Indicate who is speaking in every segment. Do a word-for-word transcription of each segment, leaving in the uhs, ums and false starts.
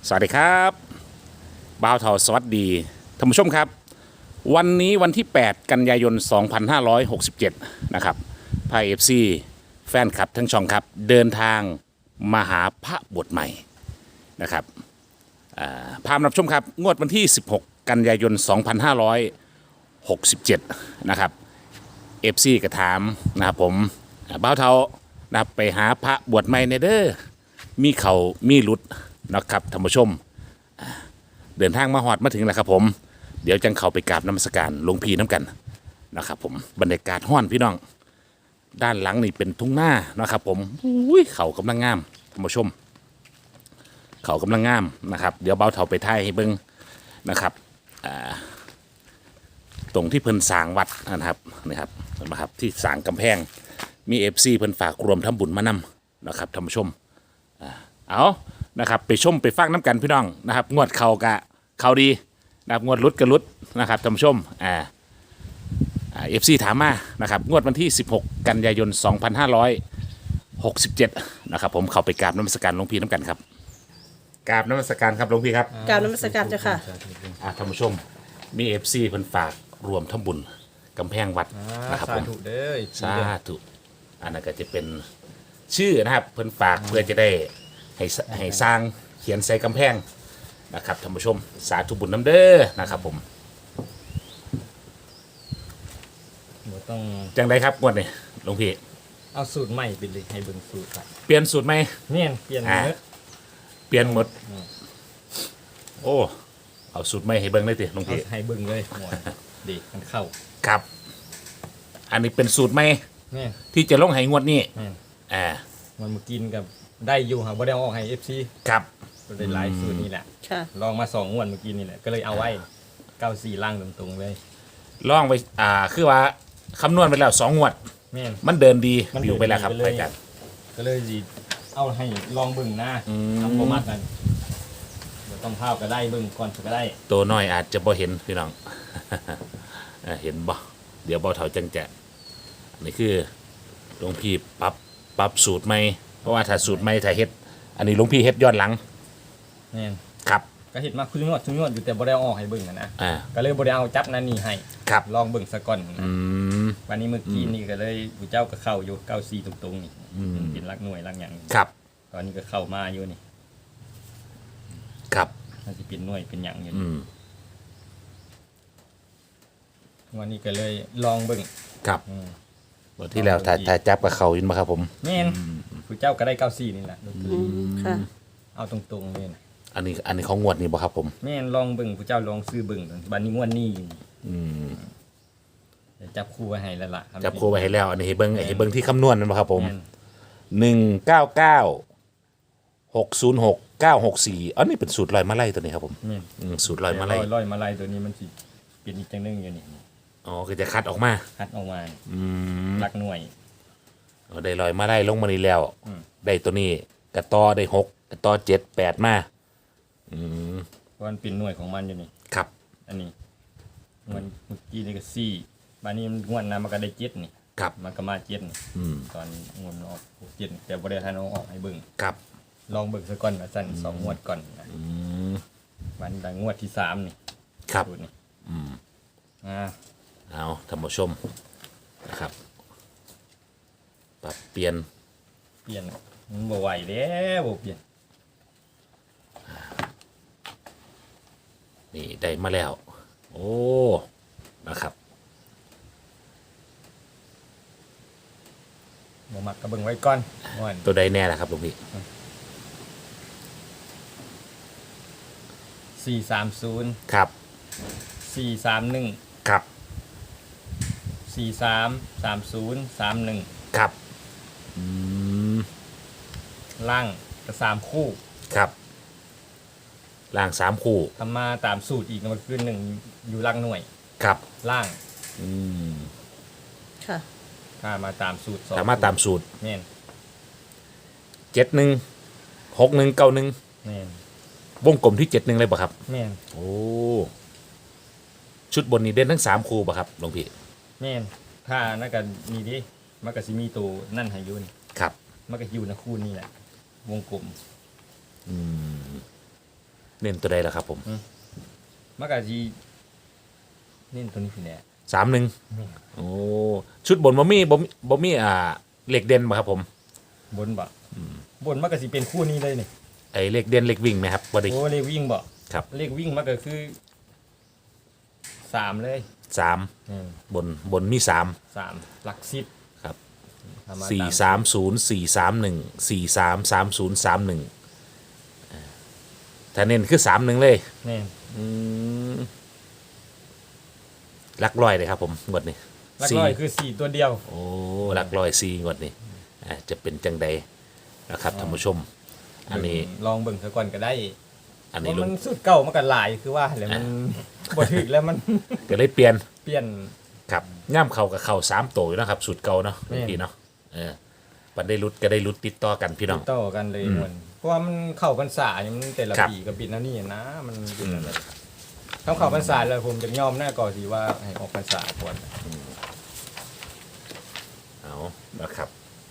Speaker 1: สวัสดีครับบ่าวเทาสวัสดีท่านผู้ชมครับวันนี้วันที่แปดกันยายนสองพันห้าร้อยหกสิบเจ็ดนะครับพายเอฟซีแฟนคลับทั้งช่องครับเดินทางมาหาพระบทใหม่นะครับพามรับชมครับงวดวันที่สิบหกกันยายนสองพันห้าร้อยหกสิบเจ็ดนะครับเอฟซีกระถามนะครับผมบ่าวเทานะครับไปหาพระบวชใหม่ในเด้อมีเขามีหลุดนะครับท่านผู้ชมเดินทางมาฮอดมาถึงแล้วครับผมเดี๋ยวจังเข้าไปกราบนมัสการหลวงพี่น้ำกันนะครับผมบรรยากาศห้อนพี่น้องด้านหลังนี่เป็นทุ่งนานะครับผมอุ้ยเขากำลังงามท่านผู้ชมเขากำลังงามนะครับเดี๋ยวเบาเถาไปถ่ายให้เบิ้งนะครับตรงที่เพิ่นสร้างวัดนะครับนะครับนะครับที่สร้างกำแพงมีเอฟซีเพิ่นฝากรวมทำบุญมานำนะครับท่านผู้ชมเอานะครับไปชมไปฟังน้ำกันพี่น้องนะครับงวดเขากะเขาดีนะครับงวดลุดกะลุดนะครับท่านผู้ชมอ่าเอฟซีถามมานะครับงวดวันที่สิบหกกันยายนสองพันห้าร้อยหกสิบเจ็ดนะครับผมเข้าไปกราบนมัสการหลวงพี่น้ำกันครับกราบนมัสการครับหลวงพี่ครับ
Speaker 2: กราบนมัสการเจ้าค่ะ
Speaker 1: อ่าท่านผู้ชมมีเอฟซีเพิ่นฝากรวมทำบุญกำแพงวัดนะครับผม
Speaker 3: สาธุเด้อ
Speaker 1: สาธุอันนั้นก็จะเป็นชื่อนะครับเพิ่นฝากเพื่อจะได้ให้ให้สร้างเขียนใส่กำแพงนะครับท่านผู้ชมสาธุบุญน้ำเด้อนะครับผม
Speaker 3: ต้อง
Speaker 1: จังไดครับงวดนี้หลวงพี่
Speaker 3: เอาสูตรใหม่ไปเลยให้เบิ่งสูตรครับ
Speaker 1: เปลี่ยนสูตรไหม
Speaker 3: เนี่ยเปลี่ยนหมด
Speaker 1: เปลี่ยนหมดโอ้เอาสูตรใหม่ให้เบิ่งได้ติหลวงพี่
Speaker 3: ให้เบิ่งเลยหมดดีมันเข้า
Speaker 1: ครับอันนี้เป็นสูตรใหม่
Speaker 3: เนี่ย
Speaker 1: ที่จะลงให้งวดนี้อ่า
Speaker 3: มันมากินกับได้อยู่ครับบ่ได้เอาออกให้ เอฟ ซี
Speaker 1: ครับ
Speaker 3: ก็ได้หลายสูตรนี่แหละลองมาสองงวดเมื่อกี้นี่แหละก็เลยเอาไว้เก้าสี่ล่างตรงๆเลย
Speaker 1: ลองไปอ่าคือว่าคำนวณไปแล้วสองงวดมันเดินดีอยู่ไปแล้วครับไปกัน
Speaker 3: ก็เลยดีเอาให้ลองเบิ่งหน้าทำโปรโมทกันต้องภาพก็ได้เบิ่งก่อนก็ได้
Speaker 1: ตัวน้อยอาจจะบ่เห็นพี่น้องเห็นบ่เดี๋ยวบ่เท่าจังจะนี่คือหลวงพี่ปรับปรับสูตรใหม่เพราะว่าถ้าสูตรใหม่ถ้าเฮ็ดอันนี้หลวงพี่เฮ็ดย้อนหลัง
Speaker 3: นี่
Speaker 1: ครับ
Speaker 3: ก็เฮ็ดมาคุณงวดคุณงวดอยู่แต่บ่ได้ออกให้เบิ่งนะก็เลยบ่ได้เอาจับนั่นนี่ให้
Speaker 1: ครับ
Speaker 3: ลองเบิ่งซะก่อน
Speaker 1: อืม
Speaker 3: วันนี้เมื่อกี้นี่ก็เลยผู้เจ้าก็เข้าอยู่เก้าสี่ตรงๆนี่เป็นรักหน่วยรักหยัง
Speaker 1: ครับ
Speaker 3: ตอนนี้ก็เข้ามาอยู่นี่
Speaker 1: ครับ
Speaker 3: มันสิเป็นหน่วยเป็นหยังอยู่
Speaker 1: อืม
Speaker 3: วันนี้ก็เลยลองเบิ่ง
Speaker 1: ครับบทที่แล้วถ้าถ้าจับกับเขายินมาครับผม
Speaker 3: แม่นผู้เจ้าก็ได้เก้าสี่นี่แหละ
Speaker 2: ค่ะ
Speaker 3: เอาตรงๆเลยนะ
Speaker 1: อันนี้อันนี้ของงวดนี่บ่ครับผม
Speaker 3: แม่นลองเบิ่งผู้เจ้าลองซื้อเบิ่งบัดนี้งวดนี้
Speaker 1: อืม
Speaker 3: จับคู่ไว้ให้แล้วล่ะ
Speaker 1: จับคู่ไว้ให้แล้วอันนี้ให้เบิ่งให้เบิ่งที่คำนวณนั่นบ่ครับผมหนึ่งเก้าเก้าหกศูนย์หกเก้าหกสี่อันนี้เป็นสูตรลอยมะไล่ตัวนี้ครับผมสูตรลอยมะไล่
Speaker 3: ลอยมะไล่ตัวนี้มันสิเป็นอีกจังนึงอยู่นี่
Speaker 1: อ๋อก็จะคัดออกมา
Speaker 3: คัดออกมา
Speaker 1: อืม
Speaker 3: รักหน่วย
Speaker 1: อ๋อได้ลอยมะไล่ลงมานี่แล้วได้ตัวนี้กระต่อได้หกกระต่อเจ็ดแปดมาอืม
Speaker 3: เพราะมันเป็นหน่วยของมันอยู่นี่
Speaker 1: ครับ
Speaker 3: อันนี้มันเมื่อกี้นี่ก็สี่บานนี้มันงวดน้ำมันก็ได้เจ็ดนี่
Speaker 1: ครับ
Speaker 3: มันก็มาเจ็ดนี่ตอนงวดออกเจ็ดแต่บริษัทน้องออกให้เบิ่ง
Speaker 1: ครับ
Speaker 3: ลองเบิ่งซะก่อนนะสั่นสองงวดก่อนนะวันดังงวดที่สามนี่
Speaker 1: ครับ
Speaker 3: นี่
Speaker 1: อืม
Speaker 3: อ่า
Speaker 1: เอาท่านผู้ชมนะครับปรับเปลี่ยน
Speaker 3: เปลี่ยนมันบ่ไหวแล้วบ่เปลี่ยน
Speaker 1: นี่ได้มาแล้วโอ้นะครับ
Speaker 3: บ่มักก็เบิ่งไว้ก่อน
Speaker 1: ตัวใดแน่ล่ะครับหลวงพี่
Speaker 3: สี่สามศูนย์
Speaker 1: ครับ
Speaker 3: สี่สามหนึ่ง
Speaker 1: ครับ
Speaker 3: สี่สามสามศูนย์สามหนึ่ง
Speaker 1: ครับอืม
Speaker 3: ล่างก็สามคู่
Speaker 1: ครับล่างสามคู่
Speaker 3: ทำมาตามสูตรอีกมันคือหนึ่งอยู่ล่างหน่วย
Speaker 1: ครับ
Speaker 3: ล่าง
Speaker 1: อืม
Speaker 2: ค่ะ
Speaker 3: ถ้ามาตามสูตร
Speaker 1: ถ้ามาตามสูตร
Speaker 3: แม่น
Speaker 1: เจ็ดหนึ่งหกหนึ่งเก้าหนึ่ง
Speaker 3: แม่น
Speaker 1: วงกลมที่เจ็ดหนึ่งเลยป่ะครับ
Speaker 3: แม่น
Speaker 1: โอ้ชุดบนนี้เด่นทั้งสามคู่ป่ะครับหลวงพี่
Speaker 3: แม่นถ้านั่นกันนี่ดิมันก็สิมีตัวนั่นให้ยุ่น
Speaker 1: ครับ
Speaker 3: มันก็อยู่ในคู่นี่แหละวงกลม
Speaker 1: อืมเน้นตัวใดล่ะครับผม
Speaker 3: มันก็สิเน้นตัวนี้พี่แหละ
Speaker 1: สามหนึ่งโอ้ชุดบนบ่มีบ่มีบ่มีอ่าเหล็กเด่นบ่ครับผม
Speaker 3: บนบ่บนมันก็สิเป็นคู่นี้เลยนี่
Speaker 1: ไอ้เหล็กเด่นเหล็กวิ่งไหมครับบ่ได้
Speaker 3: โอ้เลขวิ่งบ่
Speaker 1: ครับ
Speaker 3: เลขวิ่งมันก็คือสามเลย
Speaker 1: สาม
Speaker 3: อืม
Speaker 1: บนบนมีสาม
Speaker 3: สามหลักสิบ
Speaker 1: ครับ
Speaker 3: ทำมา
Speaker 1: สี่
Speaker 3: ตาม
Speaker 1: สามศูนย์สี่สามหนึ่งสี่สามสามศูนย์สามหนึ่งถ้าเน้นคือสามหนึ่งเลย
Speaker 3: แน่
Speaker 1: อืมหลักร้อยเลยครับผมงวดนี้
Speaker 3: หลัก
Speaker 1: สี่
Speaker 3: ร้อยคือสี่ตัวเดียว
Speaker 1: โอ้หลักร้อยสี่งวดนี้อ่าจะเป็นจังใดนะครับท่านผู้ชม อันนี้
Speaker 3: ลองเบิ่งซะก่อนก็ได้
Speaker 1: อัน
Speaker 3: เพ
Speaker 1: นี้
Speaker 3: ราะ
Speaker 1: ลุ
Speaker 3: มั
Speaker 1: ง
Speaker 3: นสุดเก่ามันก็หลายคือว่าแล้วมันบ่ถึกแล้วมัน
Speaker 1: ก็เลยเปลี่ยน
Speaker 3: เปลี่ยน
Speaker 1: ครับย่ำเข่ากับเข่าสามตัวอยู่นะครับสูตรเก่าเนาะ
Speaker 3: แม่น
Speaker 1: พี่เนาะเออปันได้รุดก็ได้รุดติดต่อกันพี่น้อง
Speaker 3: ติดต่อกันเลยมันเพราะว่ามันเข้าพรรษาเนี่ยมันแต่ละ
Speaker 1: ครับ
Speaker 3: ปีกับปีนั้นนี่นะมันเป็นอะไรถ้าเข้าพรรษาแล้วผมจะยอมหน้าก่อนสิว่าให้ออกพรรษาก่อน
Speaker 1: เอานะครับ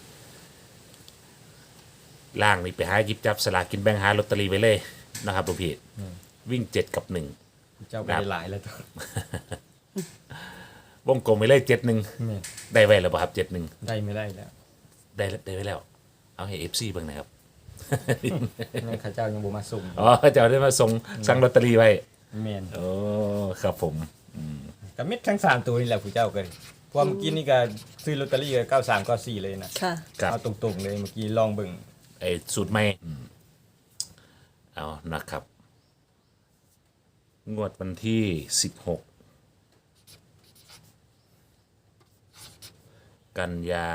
Speaker 1: ล่างนี่ไปหาหยิบจับสลากกินแบ่งหาลอตเตอรี่ไว้เลยนะครับลูกพี่วิ่งเจ็ดกับหนึ่ง
Speaker 3: เจ้าไป
Speaker 1: ครับ
Speaker 3: ได้หลายแล้วจ้ะ
Speaker 1: วงกลมไปเลยเจ็ดหนึ่ง
Speaker 3: แม่น
Speaker 1: ได้ไว้แล้วป่ะครับเจ็ดหนึ่ง
Speaker 3: ได้ไม่ได้แล้ว
Speaker 1: ได้ได้ไว้แล้ว เอาให้เอฟซีบ้างนะครับ
Speaker 3: แม่ข้าเจ้ายังบ่มาส่ง
Speaker 1: อ๋อจะเอาได้มาส่งสั่งลอตเตอรี่ไว้
Speaker 3: แม่น
Speaker 1: โอ้ครับผม
Speaker 3: กับเม็ดทั้งสามตัวนี่แหละผู้เจ้าก็เลยเพราะว่าเมื่อกี้นี่ก็ซื้อลอตเตอรี่ก็เก้าสามเก้าสี่เลยนะ
Speaker 2: ค่ะ
Speaker 1: ครับ
Speaker 3: เอาตรงๆเลยเมื่อกี้ลองเบิ่ง
Speaker 1: ไอ้สูตรใหม่อืมเอานะครับ งวดวันที่สิบหกกันยา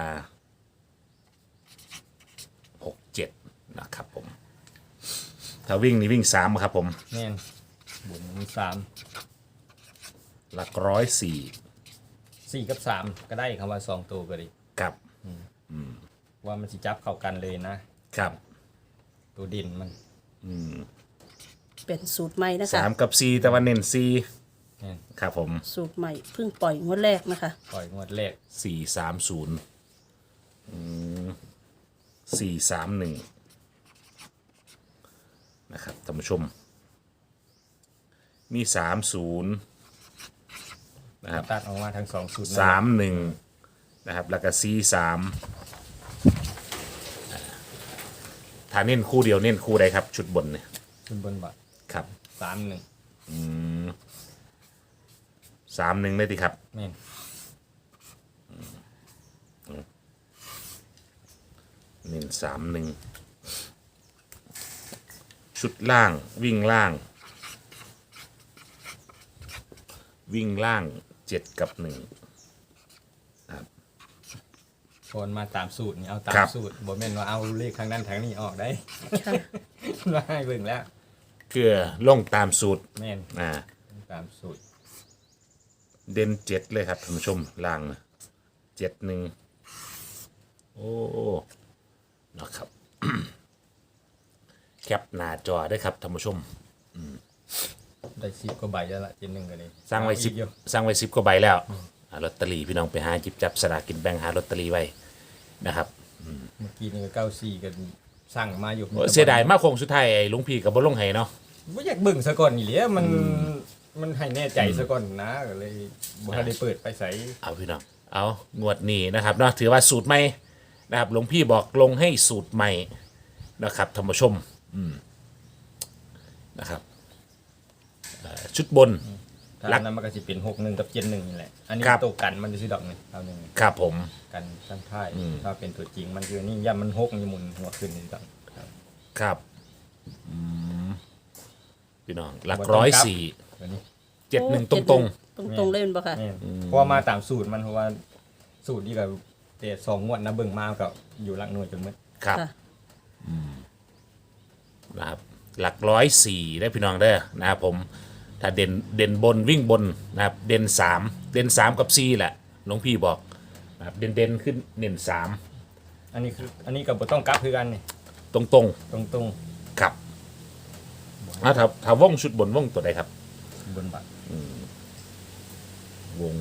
Speaker 1: หกเจ็ดนะครับผม ถ้าวิ่งนี่วิ่งสามครับผม
Speaker 3: แม่นบนมีสาม
Speaker 1: หลักร้อยสี่
Speaker 3: สี่กับสามก็ได้คำว่าสองตัวก็ดี
Speaker 1: กับ
Speaker 3: ว่ามันสิจับเข้ากันเลยนะครับ ตัวดินมัน
Speaker 2: เป็นสูตรใหม่นะคะ
Speaker 1: สามกับสี่แต่ว่าเน้นสี่
Speaker 3: แม่น
Speaker 1: ครับผม
Speaker 2: สูตรใหม่เพิ่งปล่อยงวดแรกนะคะ
Speaker 3: ปล่อยงวดแรก
Speaker 1: สี่สามศูนย์สี่สามหนึ่งนะครับท่านผู้ชม มีสามศูนย์นะครับ
Speaker 3: ตัดออกมาทั้งสองสูตรนั่น
Speaker 1: สามหนึ่งนะครับ แล้วก็สี่สามถ้าเน้นคู่เดียวเน้นคู่ใดครับ ชุดบนเนี่ย
Speaker 3: ขึ้นบนบัตร
Speaker 1: ครับ
Speaker 3: สามหนึ่ง
Speaker 1: สามหนึ่งได้ดีครับ
Speaker 3: แม่น
Speaker 1: หนึ่งสามหนึ่งชุดล่างวิ่งล่าง วิ่งล่างเจ็ดกับหนึ่ง
Speaker 3: โอนมาตามสูตรนี่เอาตาม
Speaker 1: ครับ
Speaker 3: สูตรบ่แม่นว่าเอาเลขทางนั้นทางนี้ออกได้
Speaker 2: ค่ะ
Speaker 3: ว่าให้เบิ่งแล้ว
Speaker 1: เกือลงตามสูตร
Speaker 3: แม่น
Speaker 1: อ่า
Speaker 3: ตามสูตร
Speaker 1: เด่นเจ็ดเลยครับท่านผู้ชมล่างเจ็ดหนึ่งโอ้นะครับ แคปหน้าจอได้ครับท่านผู้ชม
Speaker 3: ได้สิบกว่าใบแล้วล่ะเจนหนึ่งก็เลย
Speaker 1: สร้างไว้สิบ
Speaker 3: เอีกอยู่
Speaker 1: สร้างไว้สิบกว่าใบแล้วอ่าลอตเตอรี่พี่น้องไปหาจิบจับสลากกินแบ่งหาลอตเตอรี่ไว้นะครับ
Speaker 3: เมื่อกี้นี่ก็เก้าสี่กันสั่งมาอยู่
Speaker 1: โอ้เสียดายมากคงสุดท้ายไอ้หลุงพี่กับบอลลงไห้เนาะ
Speaker 3: บ่อยากเบิ่งซะก่อนนี่แหละมันมันให้แน่ใจซะก่อนนะก็เลยบ่ทันได้เปิดไปใส่
Speaker 1: เอาพี่น้องเอางวดนี้นะครับเนาะถือว่าสูตรใหม่นะครับหลวงพี่บอกลงให้สูตรใหม่นะครับท่านผู้ชมอืมนะครับเอ่อชุดบน
Speaker 3: ถ้า
Speaker 1: รัก
Speaker 3: นั้นมันก็สิเป็นหกหนึ่งกับเจ็ดหนึ่งนี่แหละอันนี้
Speaker 1: ครับ
Speaker 3: ตัวกันมันจะสิดอกหนึงเอาหนึ่ง
Speaker 1: ครับผม
Speaker 3: กันข้างท้ายถ้าเป็นตัวจริงมันคือนี่ย่ำมันหกมันจะหมุนหัวขึ้นนี่ต้องครับ
Speaker 1: ครับอืมพี่น้องหลักร้อยสี่
Speaker 3: ตัวนี้
Speaker 1: เจ็ดหนึ่งตรง
Speaker 2: ตรงตรงๆเล่นปะค่ะ
Speaker 3: แม่นเพราะว่ามาตามสูตรมันเพราะว่าสูตรนี่ก็แต่สองงวดนะเบิ่งมาก็อยู่หลักหน่วยจนหมด
Speaker 1: ๆครับ
Speaker 2: ค่ะ
Speaker 1: นะครับหลักร้อยสี่ได้พี่น้องเด้อนะครับผมถ้าเด่นเด่นบนวิ่งบนนะครับเด่นสามเด่นสามกับสี่แหละหลวงพี่บอกนะครับเด่นเด่นขึ้นเด่นสาม
Speaker 3: อันนี้คืออันนี้ก็บ่ต้องกลับคือกันนี่
Speaker 1: ตรงตรง
Speaker 3: ตรง
Speaker 1: ๆครับอ่ะถ้าถ้าว่องชุดบนว่องตัวใดครับ
Speaker 3: ๆบนบัตร
Speaker 1: วง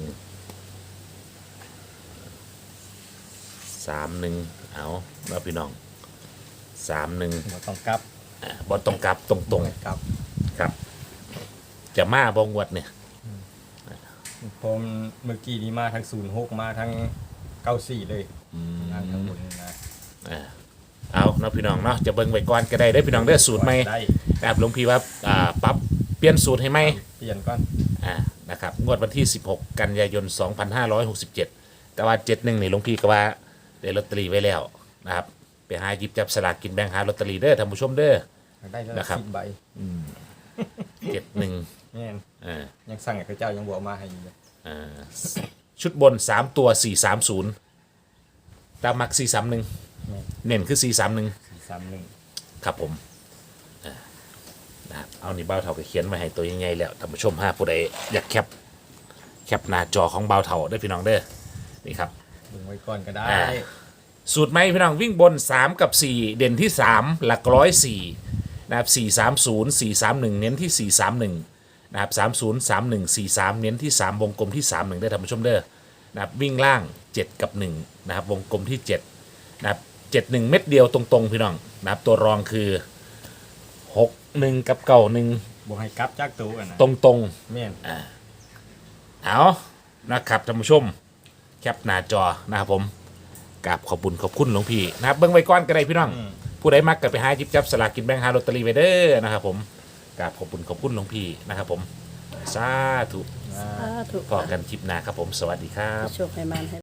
Speaker 1: สามหนึ่งเอาแล้วพี่น้องสามหนึ่ง
Speaker 3: บ่ต้องกลับ
Speaker 1: อ่าบอลตรงกลับตรงตรง
Speaker 3: กลับ
Speaker 1: ครับ จะมาบงวดเนี่ย
Speaker 3: ผมเมื่อกี้นี้มาทั้งศูนย์หกมาทั้งเก้าสี่เลยทางทั้งหมดนี่นะ
Speaker 1: เออเอาเนาะพี่น้องเนาะจะเบิ่งไว้ก่อนก็ได้ได้อพี่น้องได้อสูตรใหม่
Speaker 3: ได้
Speaker 1: นะครับหลวงพี่ว่าอ่าปรับเปลี่ยนสูตรให้ไหม
Speaker 3: เปลี่ยนก่อน
Speaker 1: อ่านะครับงวดวันที่สิบหกกันยายนสองพันห้าร้อยหกสิบเจ็ดแต่ว่าเจ็ดหนึ่งนี่หลวงพี่ก็ว่าได้ลอตเตอรี่ไว้แล้วนะครับไปหาหยิบจับสลากกินแบ่งหาลอตเตอรี่เด้อท่านผู้ชมเด้อ
Speaker 3: ได้แล้ว
Speaker 1: นะครับ
Speaker 3: สิบใบ
Speaker 1: เจ็ดหนึ่ง
Speaker 3: แม่น
Speaker 1: อ่า
Speaker 3: ยังสั่งให้พระเจ้ายังบอกมาให้อยู่เลย
Speaker 1: อ่าชุดบนสามตัวสี่สามศูนย์ตามมักสี่สามหนึ่ง
Speaker 3: แม่น
Speaker 1: เน้นคือสี่สามหนึ่ง
Speaker 3: สี่สามหนึ่ง
Speaker 1: ครับผมอ่านะครับเอานี่เบ้าเท่าก็เขียนมาให้ตัวยังไงแล้วท่านผู้ชมห้าผู้ใดอยากแคปแคปหน้าจอของเบ้าเท่าได้อพี่น้องเด้อนี่ครับ
Speaker 3: ดึงไว้ก่อนก็ได้
Speaker 1: อ่า สูตรไหมพี่น้องวิ่งบน สาม กับ สี่ เด่นที่ สาม หลักร้อยสี่นะครับสี่ สาม ศูนย์ สี่ สาม หนึ่ง เน้นที่ สี่ สาม หนึ่งนะครับสาม ศูนย์ สาม หนึ่ง สี่ สาม เน้นที่ สาม วงกลมที่ สาม หนึ่งได้อท่านผู้ชมเด้อนะครับวิ่งล่าง เจ็ด กับ หนึ่งนะครับวงกลมที่ เจ็ดนะครับเจ็ด หนึ่ง เม็ดเดียวตรงๆพี่น้องนะครับตัวรองคือ หก หนึ่ง กับเก้า หนึ่ง
Speaker 3: บอกให้กลับจากตัวกันนะ
Speaker 1: ตรงๆ
Speaker 3: แม่น
Speaker 1: เอานะครับท่านผู้ชมแคปหน้าจอนะครับผมกราบขอบคุณขอบคุณหลวงพี่นะครับเบิ้งไว้ก่อนก็ได้พี่น้อง ผู้ใดมักก็ไปหาจิบจับสลากกินแบ่งหาลอตเตอรี่ไว้เด้อนะครับผมกราบขอบคุณขอบคุณหลวงพี่นะครับผมสาธุ
Speaker 2: สาธุ
Speaker 1: พอกันคลิปหน้าครับผมสวัสดีครับ
Speaker 2: โชคให้มันให้